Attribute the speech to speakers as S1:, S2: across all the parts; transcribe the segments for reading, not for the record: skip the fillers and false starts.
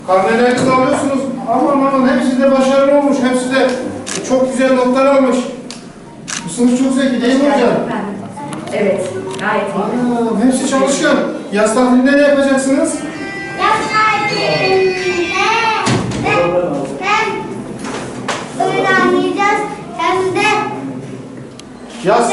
S1: Karnelerinizi alıyorsunuz. Aman hepsi de başarılı olmuş. Hepsi de çok güzel notlar almış. Bu sınıf çok zeki değil mi hocam?
S2: Evet, gayet iyi.
S1: Hepsi çalışkan. Yaz tatilinde ne yapacaksınız?
S3: Yaz tatilinde hem oyun oynayacağız hem de
S1: Yaz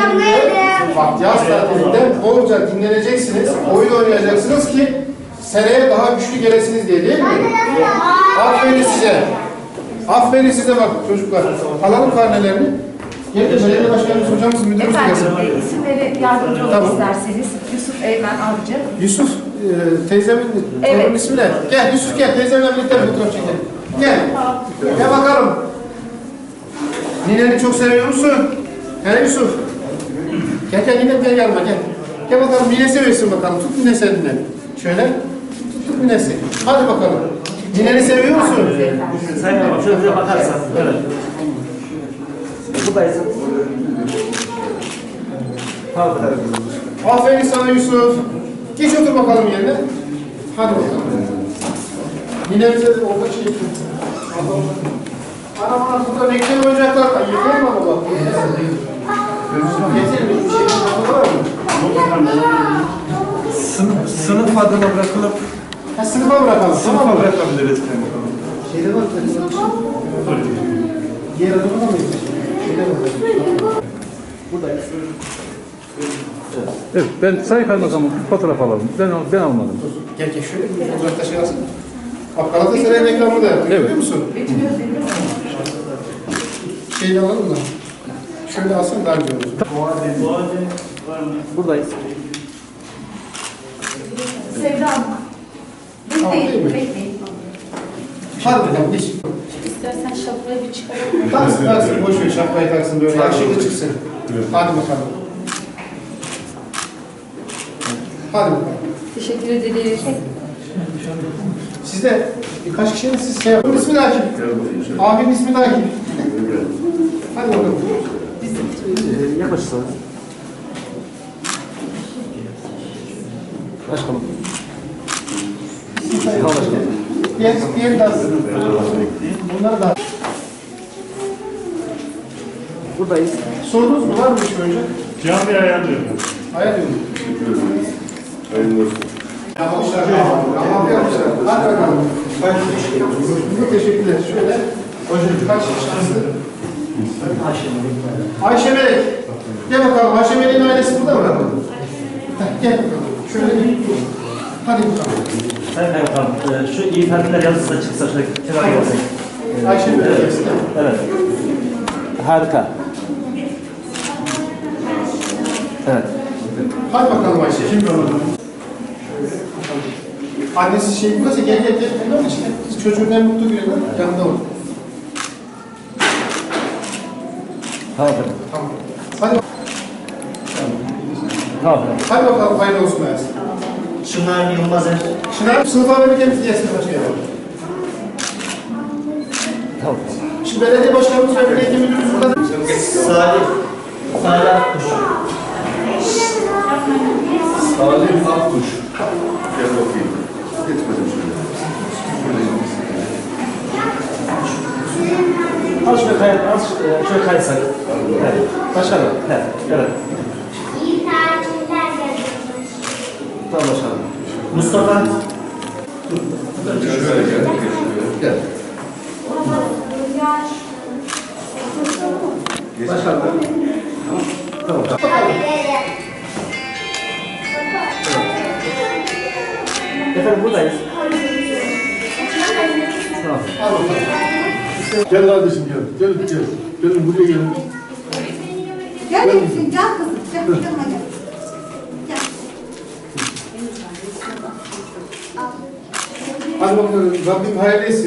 S1: tatilinde bolca dinleneceksiniz, oyun oynayacaksınız ki seneye daha güçlü gelesiniz diye, değil mi? Aferin size. Aferin size bak çocuklar. Alalım karnelerini. Gelin belediye başkanımız, hocamız, müdürümüz gelsin.
S2: Efendim, isimleri yardımcı olmak isterseniz. Yusuf Eymen Avcı.
S1: Yusuf, teyzemin torunun ismi ne? Gel Yusuf gel, teyzemle birlikte bir fotoğraf çekelim. Gel. Gel bakalım. Nineni çok seviyor musun? He Yusuf? Gel ninem gel yanıma gel. Gel bakalım nine seviyorsun bakalım. Tut nine sen nine. Şöyle. Tut ninesi. Hadi bakalım. Nineni seviyor musun?
S4: Sayın Babam şöyle bize bakarsan. Evet. Buradayız.
S1: Aferin sana Yusuf. Geç otur bakalım yerine. Hadi bakalım. Ninemize de orada çekin. Ana burada ne güzel oyuncaklar var. Yeter mi baba? Yeter mi? Bir şey var mı?
S5: Sınıf adına bırakılıp
S1: Sınıfa bırakalım.
S5: sınıfa bırakabiliriz.
S1: Şeyde var mı? Diğer adamı da mı? Şeyde var.
S4: Buradayız.
S5: Evet, ben Sayın Kaymakamım fotoğraf alalım. Ben almadım.
S1: Gel şöyle bir fotoğrafta şey alsın. Bak Galatasaray'ın reklamı da yapıyor. Biliyor musun? Şeyini alalım da. Şöyle alsın daha güzel olur.
S4: Buradayız.
S2: Sevda Hanım.
S1: Tamam, değil mi?
S2: Bekleyin.
S1: Hadi bakalım geç.
S2: İstersen şapkayı bir çıkaralım.
S1: Taksın boş ver şapkayı taksın böyle yakışıklı çıksın. Hadi bakalım. Hadi bakalım.
S2: Teşekkür ederiz.
S1: Siz de birkaç kişinin siz şey yapın. İsmi de Akif. Abinin ismi de Akif. Hadi bakalım.
S4: Yaklaşırsanız. Başkanım.
S1: Diğer de alsın. Bunları da.
S4: Buradayız.
S1: Sorunuz mu? Var mı bir şey önce?
S5: Cami ayarlıyorum.
S1: Ayarlıyorum. Yapmışlar. Yapmışlar. Hadi bakalım. Çok teşekkürler. Şöyle. Hocam kaç şanslı? Ayşe Melek. Gel bakalım. Ayşe Melek'in ailesi burada mı? Gel bakalım. Şöyle bir. Hadi bakalım.
S4: Sayın Kaymakamım, şu iyi tatiller yazısı da çıksa şöyle kenara gelsek.
S1: Ayşe Melek gelsin.
S4: Evet. Harika. Evet.
S1: Hadi bakalım Ayşe. Şimdi onu. Annesi şey burası gel. Bunlar işte. Çocuğun en mutlu günü yanında olur.
S4: Tamam.
S1: Tamam. Hadi.
S4: Tamam.
S1: Hadi bakalım hayırlı olsun Ayşe.
S4: Şunlar Yılmazer.
S1: Şınar sınıfa verirken bizi gelsin başkanım.
S4: Tamam.
S1: Şimdi belediye başkanımız ve belediye müdürümüz burada.
S4: Salih Akkuş.
S6: Salih Akkuş. Gel bakayım. Geçmedim şöyle.
S4: Az şöyle kaysak. Evet. Başkanım. Evet. Evet.
S3: iyi tatiller yapıyoruz.
S4: Tamam başkanım. Mustafa.
S6: Şöyle gel. Gel.
S4: Başkanım. Tamam. Efendim buradayız. Tamam.
S5: Gel kardeşim gel. Gel. Gelin buraya gelin.
S7: Gel kızım, gel kızım. Gel, yanıma gel. Gel.
S1: Hadi bakalım. Rabbim hayırlı etsin.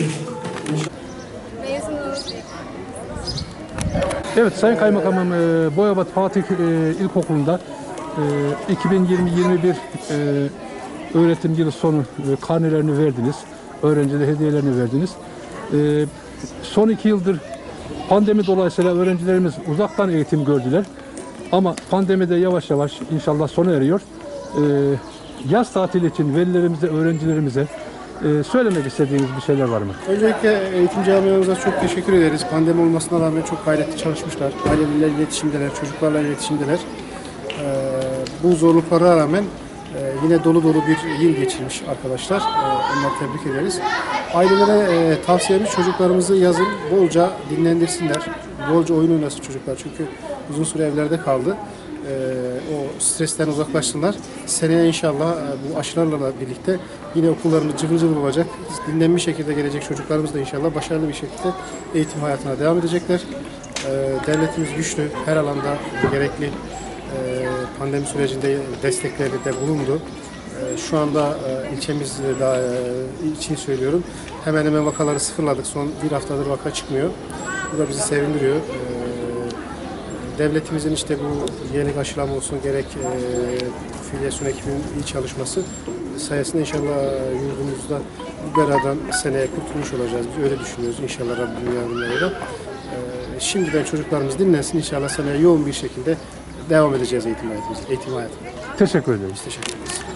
S5: Evet Sayın Kaymakamım Boyabat Fatih İlkokulu'nda 2020-21 öğretim yılı sonu karnelerini verdiniz. Öğrencilere hediyelerini verdiniz. Son 2 yıldır pandemi dolayısıyla öğrencilerimiz uzaktan eğitim gördüler. Ama pandemi de yavaş yavaş inşallah sona eriyor. Yaz tatili için velilerimize, öğrencilerimize Söylemek istediğiniz bir şeyler var mı?
S1: Öncelikle eğitim camiamıza çok teşekkür ederiz. Pandemi olmasına rağmen çok gayretli çalışmışlar. Ailelerle iletişimdeler, çocuklarla iletişimdeler. Bu zorluklara rağmen yine dolu dolu bir yıl geçirmiş arkadaşlar. Onları tebrik ederiz. Ailelere tavsiyemiz çocuklarımızı yazın bolca dinlendirsinler. Bolca oyun oynasın çocuklar çünkü uzun süre evlerde kaldı. O stresten uzaklaşsınlar. Seneye inşallah bu aşılarla birlikte yine okullarımız cıvıl cıvıl olacak. Dinlenmiş şekilde gelecek çocuklarımız da inşallah başarılı bir şekilde eğitim hayatına devam edecekler. Devletimiz güçlü, her alanda gerekli pandemi sürecinde destekleri de bulundu. Şu anda ilçemiz için söylüyorum. Hemen hemen vakaları sıfırladık. Son bir haftadır vaka çıkmıyor. Bu da bizi sevindiriyor. Devletimizin işte bu yeni aşılama olsun gerek filyasyon ekibinin iyi çalışması sayesinde inşallah yurdumuzda bu beladan seneye kurtulmuş olacağız. Biz öyle düşünüyoruz inşallah Rabbim yardımlarıyla. Şimdiden çocuklarımız dinlensin inşallah seneye yoğun bir şekilde devam edeceğiz eğitim hayatımıza.
S5: Teşekkür ederiz.
S1: Teşekkür ederiz.